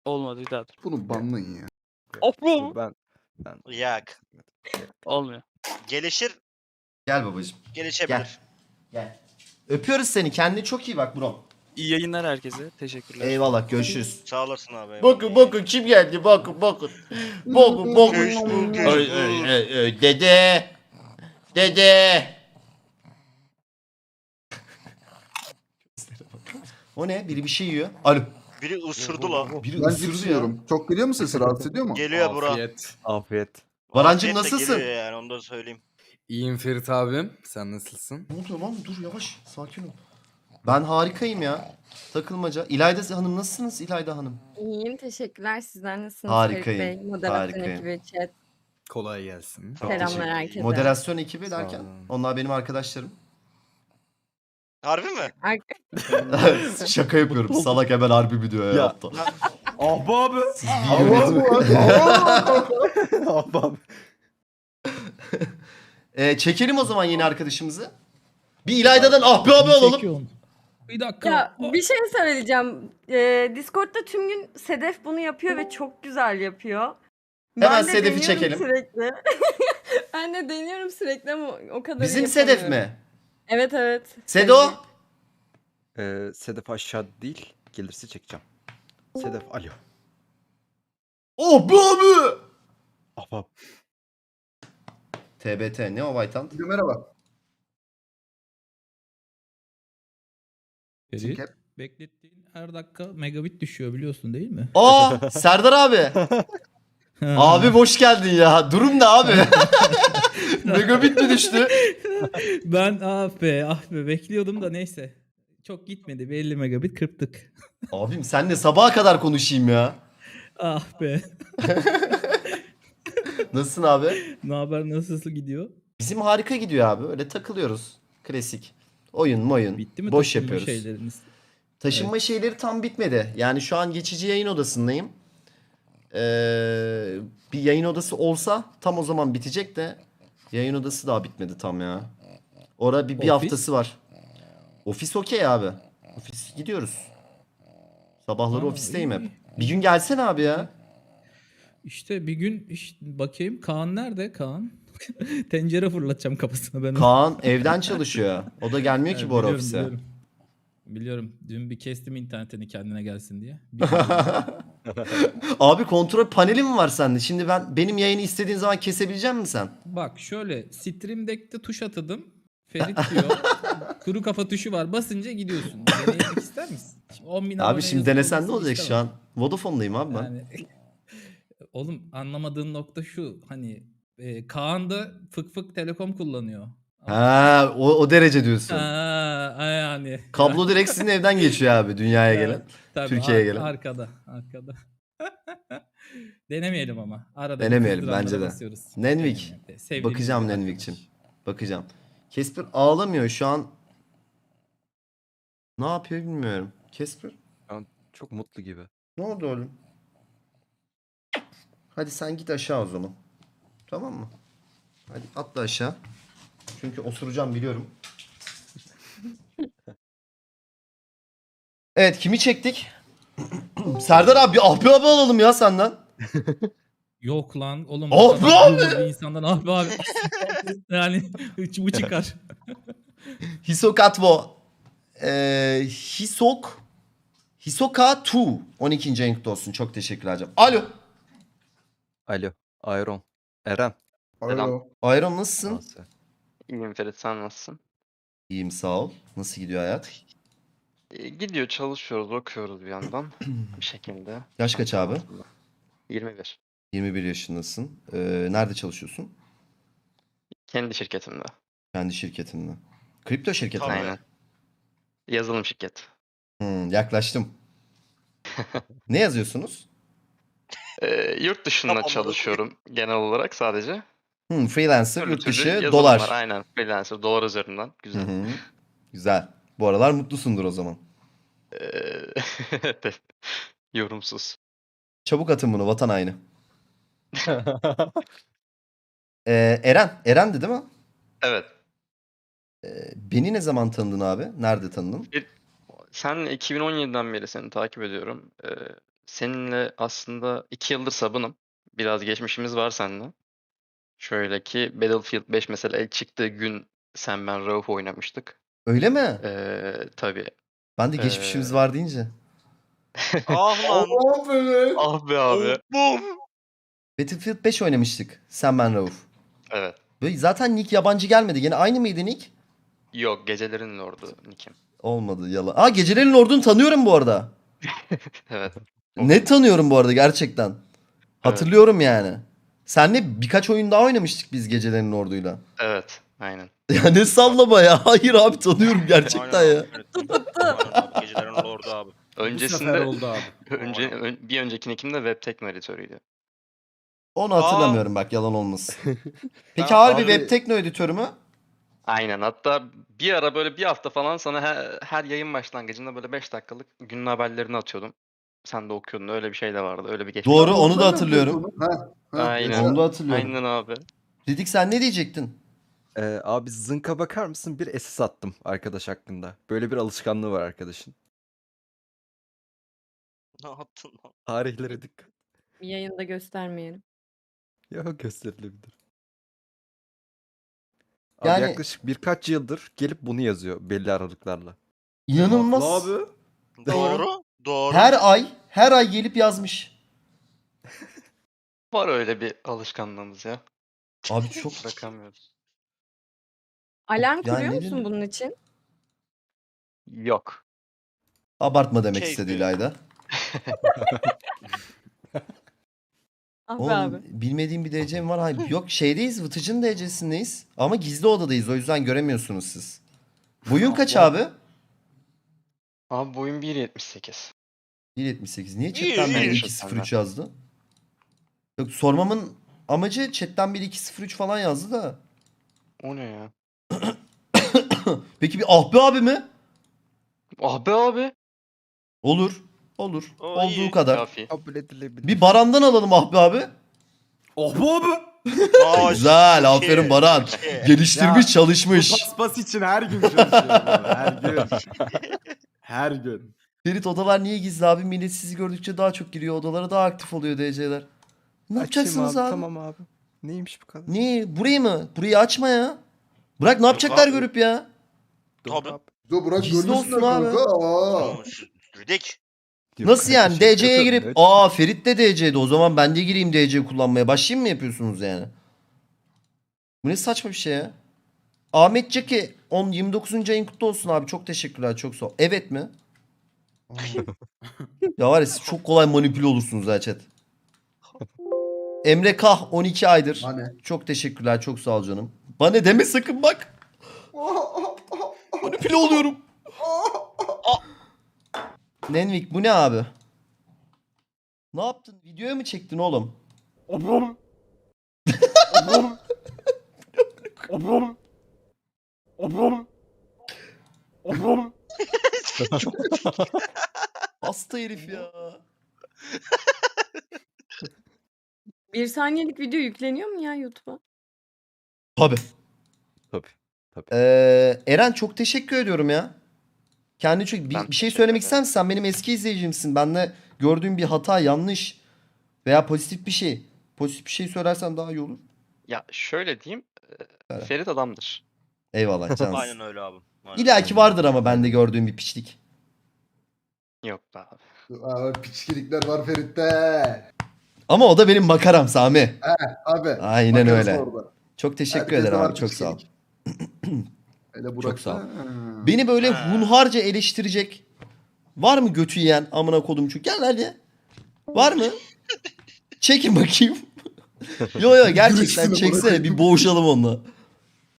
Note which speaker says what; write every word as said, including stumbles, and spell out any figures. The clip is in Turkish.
Speaker 1: Olmadı bir daha dur.
Speaker 2: Bunu banlayın ya.
Speaker 1: Of
Speaker 3: Ben ben
Speaker 4: Yak.
Speaker 1: Olmuyor.
Speaker 4: Gelişir,
Speaker 5: Gel babacığım.
Speaker 4: gelişebilir.
Speaker 5: Gel. Öpüyoruz seni. Kendine çok iyi bak bro.
Speaker 1: İyi yayınlar herkese. Teşekkürler.
Speaker 5: Eyvallah. Görüşürüz.
Speaker 4: Sağ olasın abi.
Speaker 5: Bakın bakın kim geldi. Bakın bakın. Bakın bakın.
Speaker 4: Facebook,
Speaker 5: Ay,
Speaker 4: Facebook.
Speaker 5: ay, ay, ay, Dede. Dede. O ne? Biri bir şey yiyor. Alo.
Speaker 4: Biri ısırdı lan.
Speaker 5: Biri
Speaker 2: Ben
Speaker 5: ısırdı
Speaker 2: cips
Speaker 5: ya.
Speaker 2: yiyorum. Çok geliyor mu sesi? Rahatsız ediyor mu?
Speaker 4: Geliyor bura.
Speaker 6: Afiyet.
Speaker 3: afiyet.
Speaker 5: Barancım
Speaker 4: Afiyet de
Speaker 5: nasılsın?
Speaker 4: Geliyor yani onu da söyleyeyim.
Speaker 6: İyiyim Ferit abim. Sen nasılsın?
Speaker 5: Ne oluyor lan? Dur yavaş. Sakin ol. Ben harikayım ya. Takılmaca. İlayda Hanım nasılsınız İlayda Hanım?
Speaker 7: İyiyim, teşekkürler. Sizler nasılsınız
Speaker 5: Harikayım,
Speaker 7: Ferit Bey? Moderasyon
Speaker 5: harikayım.
Speaker 7: ekibi, chat.
Speaker 6: Kolay gelsin.
Speaker 5: Çok
Speaker 7: Selamlar
Speaker 5: teşekkür-
Speaker 7: herkese.
Speaker 5: Moderasyon ekibi
Speaker 6: Sağ
Speaker 5: derken
Speaker 6: olun.
Speaker 5: onlar benim arkadaşlarım.
Speaker 4: Harbi mi?
Speaker 7: Ar-
Speaker 5: Şaka yapıyorum. Salak hemen harbi video
Speaker 3: Ya.
Speaker 5: yaptı.
Speaker 3: Abi abi.
Speaker 5: Siz bir yönetim.
Speaker 3: Abi abi.
Speaker 5: Ee, çekelim o zaman yeni arkadaşımızı. Bir İlayda'dan ah be abi alalım.
Speaker 8: Bir dakika.
Speaker 7: ya bir şey söyleyeceğim. Ee, Discord'da tüm gün Sedef bunu yapıyor ve çok güzel yapıyor.
Speaker 5: Hemen
Speaker 7: de
Speaker 5: Sedef'i
Speaker 7: deniyorum
Speaker 5: çekelim.
Speaker 7: Sürekli. Ben de deniyorum sürekli ama o kadar
Speaker 5: Bizim
Speaker 7: iyi
Speaker 5: Sedef
Speaker 7: yapamıyorum.
Speaker 5: mi?
Speaker 7: Evet evet.
Speaker 5: Sedo?
Speaker 3: Ee, Sedef aşağı değil. Gelirse çekeceğim. Sedef alo.
Speaker 5: Oh be abi.
Speaker 3: Abi abi.
Speaker 5: T B T ne o Vaytan?
Speaker 2: Merhaba.
Speaker 8: Ferit, beklettiğin her dakika megabit düşüyor biliyorsun değil mi?
Speaker 5: Aa Serdar abi. Abi hoş geldin ya. Durum ne abi? Megabit mi düştü?
Speaker 8: Ben ah be ah be bekliyordum da neyse. Çok gitmedi. Bir elli megabit kırptık.
Speaker 5: Abim senle sabaha kadar konuşayım ya.
Speaker 8: Ah be.
Speaker 5: Nasılsın abi?
Speaker 8: Ne haber, nasıl gidiyor?
Speaker 5: Bizim harika gidiyor abi. Öyle takılıyoruz. Klasik. Oyun moyun.
Speaker 8: Bitti mi
Speaker 5: Boş
Speaker 8: taşınma
Speaker 5: yapıyoruz.
Speaker 8: şeyleriniz?
Speaker 5: Taşınma şeyleri tam bitmedi. Yani şu an geçici yayın odasındayım. Ee, bir yayın odası olsa tam o zaman bitecek de yayın odası daha bitmedi tam ya. Orada bir, bir
Speaker 8: Ofis?
Speaker 5: haftası var. Ofis okey abi. Ofis gidiyoruz. Sabahları
Speaker 8: Aa,
Speaker 5: ofisteyim
Speaker 8: iyi,
Speaker 5: hep.
Speaker 8: iyi.
Speaker 5: Bir gün gelsene abi ya.
Speaker 8: İşte bir gün işte bakayım Kaan nerede Kaan? Tencere fırlatacağım kafasına ben. ona.
Speaker 5: Kaan evden çalışıyor. O da gelmiyor ki
Speaker 8: Evet,
Speaker 5: bu ara
Speaker 8: biliyorum,
Speaker 5: ofise.
Speaker 8: Biliyorum. Biliyorum. Dün bir kestim internetini kendine gelsin diye.
Speaker 5: Abi kontrol paneli mi var sende? Şimdi ben benim yayını istediğin zaman kesebilecek misin sen?
Speaker 8: Bak şöyle Stream Deck'te tuş atadım. Ferit diyor. Kuru kafa tuşu var. Basınca gidiyorsun. Denemek ister misin? Şimdi on bin
Speaker 5: Abi
Speaker 8: aboneye
Speaker 5: şimdi
Speaker 8: yazık
Speaker 5: denesen ne
Speaker 8: olmasını
Speaker 5: olacak şu
Speaker 8: istemem.
Speaker 5: an? Vodafone'dayım abi ben.
Speaker 8: Yani, oğlum anlamadığın nokta şu. Hani e, Kaan da fık fık telekom kullanıyor.
Speaker 5: Ha, o, o derece diyorsun.
Speaker 8: Ha, yani.
Speaker 5: Kablo direkt sizin evden geçiyor abi dünyaya
Speaker 8: Evet,
Speaker 5: gelen.
Speaker 8: tabii,
Speaker 5: Türkiye'ye
Speaker 8: ar-
Speaker 5: gelen.
Speaker 8: Arkada. Arkada. Denemeyelim ama. Arada
Speaker 5: Denemeyelim
Speaker 8: kızdıranlara
Speaker 5: bence de.
Speaker 8: basıyoruz.
Speaker 5: Nenvik.
Speaker 8: Denemeyelim. Sevdiğimiz
Speaker 5: Bakacağım
Speaker 8: bir
Speaker 5: Nenvik'cim.
Speaker 8: arkadaş.
Speaker 5: Bakacağım. Casper ağlamıyor şu an. Ne yapıyor bilmiyorum. Casper?
Speaker 3: Çok mutlu gibi.
Speaker 5: Ne oldu oğlum? Hadi sen git aşağı o zaman. Tamam mı? Hadi atla aşağı. Çünkü osuracağım biliyorum. Evet kimi çektik? Serdar abi ah be abi alalım ya senden.
Speaker 8: Yok lan oğlum.
Speaker 5: Ah
Speaker 8: bu
Speaker 5: be
Speaker 8: kadar
Speaker 5: abi!
Speaker 8: gururlu bir insandan ah be abi. Yani bu çıkar.
Speaker 5: Hisok Atvo. Ee, Hisok. Hisoka iki. on ikinci ayın kutlu olsun. Çok teşekkürler canım. Alo.
Speaker 3: Alo. Iron. Eren.
Speaker 2: Alo.
Speaker 5: Ayran nasılsın?
Speaker 3: Nasıl?
Speaker 9: İyiyim Ferit, sen nasılsın?
Speaker 5: İyiyim sağ ol. Nasıl gidiyor hayat?
Speaker 9: Ee, Gidiyor, çalışıyoruz, okuyoruz bir yandan bir şekilde.
Speaker 5: Yaş kaç abi?
Speaker 9: yirmi bir.
Speaker 5: yirmi bir yaşındasın. Ee, nerede çalışıyorsun?
Speaker 9: Kendi şirketimde.
Speaker 5: Kendi şirketinde. Kripto şirketi mi?
Speaker 4: Tabii.
Speaker 9: Aynen. Yazılım şirket.
Speaker 5: Hmm, yaklaştım. Ne yazıyorsunuz?
Speaker 9: Ee, yurt dışında
Speaker 4: Tamam,
Speaker 9: çalışıyorum genel olarak sadece.
Speaker 5: Hmm, freelancer,
Speaker 9: Türlü
Speaker 5: yurt
Speaker 9: türlü
Speaker 5: dışı,
Speaker 9: yazılımlar,
Speaker 5: dolar.
Speaker 9: Aynen, freelancer, dolar üzerinden.
Speaker 5: Hı
Speaker 9: Güzel.
Speaker 5: hı. Güzel. Bu aralar mutlusundur o zaman.
Speaker 9: Ee, evet, yorumsuz.
Speaker 5: Çabuk atın bunu vatan haini. Ee, Eren. Eren'di değil mi?
Speaker 9: Evet.
Speaker 5: Ee, beni ne zaman tanıdın abi? Nerede tanıdın?
Speaker 9: Sen iki bin on yediden beri seni takip ediyorum. Ee, seninle aslında iki yıldır sabınım. Biraz geçmişimiz var seninle. Şöyle ki Battlefield beş mesela ilk çıktığı gün sen ben Rauf oynamıştık.
Speaker 5: Öyle mi?
Speaker 9: Ee, tabii.
Speaker 5: Ben de geçmişimiz
Speaker 9: Ee,
Speaker 5: var deyince.
Speaker 4: Ah lan.
Speaker 2: Oh be.
Speaker 9: Ah be abi.
Speaker 4: Bum.
Speaker 5: Battlefield beş oynamıştık. Sen ben Rauf.
Speaker 9: Evet.
Speaker 5: Böyle zaten Nick yabancı gelmedi. Yine aynı mıydı Nick?
Speaker 9: Yok, Gecelerin Lordu Nick'im.
Speaker 5: Olmadı yalan. Aa Gecelerin Lord'unu tanıyorum bu arada.
Speaker 9: Evet.
Speaker 5: Ne tanıyorum bu arada gerçekten. Hatırlıyorum yani. Senle birkaç oyun daha oynamıştık biz Gecelerin Lord'uyla.
Speaker 9: Evet. Aynen.
Speaker 5: Ya ne sallama ya. Hayır abi tanıyorum gerçekten
Speaker 4: Aynen
Speaker 5: ya.
Speaker 4: abi, evet. Aynen abi, Gecelerin Lordu abi.
Speaker 6: Bu sefer
Speaker 9: Öncesinde
Speaker 6: oldu abi.
Speaker 9: önce ön- bir önceki Nick'im de Webtekno editörüydü.
Speaker 5: Onu hatırlamıyorum bak yalan olmasın. Peki
Speaker 4: Ben-
Speaker 5: harbi
Speaker 2: abi-
Speaker 5: web tekno editörü mü?
Speaker 9: Aynen. Hatta bir ara böyle bir hafta falan sana her, her yayın başlangıcında böyle beş dakikalık günün haberlerini atıyordum. Sen de okuyordun. Öyle bir şey de vardı. Öyle bir geçmiş.
Speaker 5: Doğru onu da
Speaker 2: Ondan
Speaker 5: hatırlıyorum.
Speaker 2: Ha, ha,
Speaker 9: Aynen.
Speaker 2: mesela-
Speaker 5: Onu da hatırlıyorum.
Speaker 9: Aynen abi.
Speaker 5: Ridik sen ne diyecektin?
Speaker 3: Ee, abi zınka bakar mısın? Bir S S attım arkadaş hakkında. Böyle bir alışkanlığı var arkadaşın.
Speaker 4: Ne yaptın lan?
Speaker 3: Tarihlere dikkat.
Speaker 7: Bir yayında göstermeyelim.
Speaker 3: Yok gösterilebilir. Abi
Speaker 5: Yani-
Speaker 3: yaklaşık birkaç yıldır gelip bunu yazıyor belli aralıklarla.
Speaker 5: İnanılmaz.
Speaker 2: Haklı abi.
Speaker 4: Doğru. Doğru.
Speaker 5: Her ay her ay gelip yazmış.
Speaker 9: Var öyle bir alışkanlığımız ya.
Speaker 5: Abi çok
Speaker 9: Bırakamıyoruz.
Speaker 7: Alarm
Speaker 5: Yani
Speaker 7: kuruyor
Speaker 5: ne
Speaker 7: musun
Speaker 5: bileyim.
Speaker 7: bunun için?
Speaker 9: Yok.
Speaker 5: abartma demek
Speaker 4: Keyfi.
Speaker 5: istedi İlayda.
Speaker 7: Ah be
Speaker 5: Oğlum
Speaker 7: abi.
Speaker 5: bilmediğim bir D C'm var. Hayır, yok şeydeyiz Vıtıcın D C'sindeyiz. Ama gizli odadayız o yüzden göremiyorsunuz siz. Boyun kaç abi?
Speaker 9: Abi boyum bir yetmiş sekiz.
Speaker 5: bir yetmiş sekiz. Niye
Speaker 4: İyi,
Speaker 5: chatten
Speaker 4: iyi.
Speaker 5: biri iki sıfır üç yazdı? Yok sormamın amacı chatten biri iki sıfır üç falan yazdı da.
Speaker 9: O ne ya?
Speaker 5: Peki bir ah be abi mi?
Speaker 9: Ah be abi.
Speaker 5: Olur. Olur.
Speaker 4: O
Speaker 5: Olduğu
Speaker 4: iyi.
Speaker 5: kadar.
Speaker 9: Kafi.
Speaker 3: Kabul edilebilir.
Speaker 5: Bir Baran'dan alalım ah be abi.
Speaker 6: Oh bu abi.
Speaker 4: Aa,
Speaker 5: Güzel.
Speaker 4: çok
Speaker 5: Aferin
Speaker 4: iyi,
Speaker 5: Baran.
Speaker 4: çok iyi.
Speaker 5: Geliştirmiş,
Speaker 6: Ya,
Speaker 5: çalışmış.
Speaker 6: Paspas için her gün çalışıyorum abi. Her gün. Her gün.
Speaker 5: Ferit odalar niye gizli abi? Millet sizi gördükçe daha çok giriyor odalara, daha aktif oluyor D C'ler. Ne
Speaker 3: Açayım
Speaker 5: yapacaksınız abi?
Speaker 3: Tamam abi. Neymiş bu kadar?
Speaker 5: Niye? Burayı mı? Burayı açma ya. Bırak ne yapacaklar
Speaker 4: abi.
Speaker 5: görüp ya?
Speaker 3: Doğru
Speaker 4: Tabii.
Speaker 3: abi.
Speaker 2: Dur bırak
Speaker 5: Gizli
Speaker 2: görürsün
Speaker 5: olsun abi.
Speaker 2: kanka. Aa.
Speaker 4: Tamam, şu- Ridik.
Speaker 3: Yok
Speaker 5: Nasıl yani?
Speaker 3: kardeşim,
Speaker 5: D C'ye
Speaker 3: yok,
Speaker 5: girip
Speaker 3: evet.
Speaker 5: aa Ferit de D C'de o zaman ben de gireyim D C kullanmaya. Başlayayım mı yapıyorsunuz yani? Bu ne saçma bir şey ya? Ahmet Ceki on yirmi dokuzuncu ayın kutlu olsun abi. Çok teşekkürler. Çok sağ ol. Evet mi? Ya var ya siz çok kolay manipüle olursunuz ha chat. Emre Kah on iki aydır.
Speaker 2: Hani?
Speaker 5: Çok teşekkürler. Çok sağ ol canım. Bana deme sakın bak. Manipüle oluyorum. Nenvik bu ne abi? Ne yaptın? Videoya mı çektin oğlum?
Speaker 6: Obum. Obum. Obum. Obum. Obum.
Speaker 5: Hasta herif ya.
Speaker 7: Bir saniyelik video yükleniyor mu ya YouTube'a?
Speaker 5: Tabii.
Speaker 3: Tabii.
Speaker 5: Ee, Eren çok teşekkür ediyorum ya. Kendi çok bir,
Speaker 9: Ben
Speaker 5: bir şey
Speaker 9: teşekkür
Speaker 5: söylemek
Speaker 9: ederim.
Speaker 5: ister misin? Sen benim eski izleyicimsin. Benle gördüğün bir hata, yanlış veya pozitif bir şey. Pozitif bir şey söylersen daha iyi olur.
Speaker 9: Ya şöyle diyeyim. e,
Speaker 5: Evet.
Speaker 9: Ferit adamdır.
Speaker 5: Eyvallah cansın.
Speaker 4: Aynen öyle abi. Aynen.
Speaker 5: İlla ki vardır ama bende gördüğüm bir piçlik.
Speaker 9: Yok be abi.
Speaker 2: Aa, piçkilikler var Ferit'te.
Speaker 5: Ama o da benim makaram Sami.
Speaker 2: Abi.
Speaker 5: Aynen
Speaker 2: makarası
Speaker 5: öyle.
Speaker 2: orada.
Speaker 5: Çok teşekkür
Speaker 2: Herkeste
Speaker 5: ederim
Speaker 2: var
Speaker 5: abi. Çok sağ ol.
Speaker 2: piçkilik. Hele Burak
Speaker 5: Çok sağ ol.
Speaker 2: da- Ha.
Speaker 5: Beni böyle
Speaker 4: Ha.
Speaker 5: hunharca eleştirecek var mı götü yiyen amına kodum şu? Gel hadi. Var mı? Çekin bakayım. Yo yo gerçekten
Speaker 2: Görüşsün amına
Speaker 5: çeksene
Speaker 2: koyayım.
Speaker 5: bir boğuşalım onunla.